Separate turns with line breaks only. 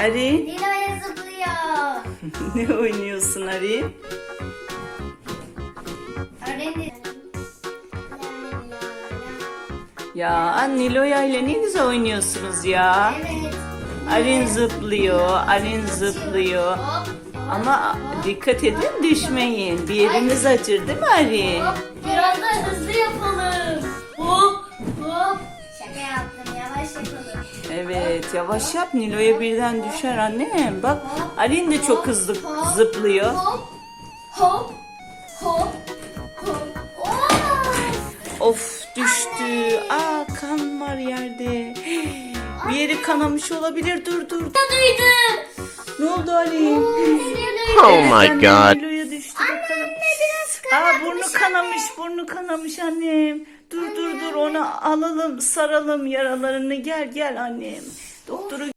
Arin,
Nilo'ya zıplıyor.
ne oynuyorsun Arin?
Öğrenin.
Ya Nilo'ya ile ne güzel oynuyorsunuz ya.
Evet.
Arin zıplıyor, Arin zıplıyor.
Hop.
Ama dikkat edin düşmeyin. Bir yeriniz acır değil mi Arin?
Hop. Biraz da hızlı yapalım. Hop. Hop. Şaka yaptım. Yavaş yapalım.
Evet, yavaş yap, Nilo'ya birden düşer annem. Bak Arin de çok hızlı zıplıyor.
Hop. Hop. Hop. Hop. Oo!
Of, düştü. Aa, kan var yerde. Bir yeri kanamış olabilir. Dur.
Duydum.
Ne oldu Arin?
Oh my
Annem
god.
Nilo'ya düştü bakalım. Aa, burnu kanamış annem. Dur onu alalım, saralım yaralarını. Gel annem. Doktoru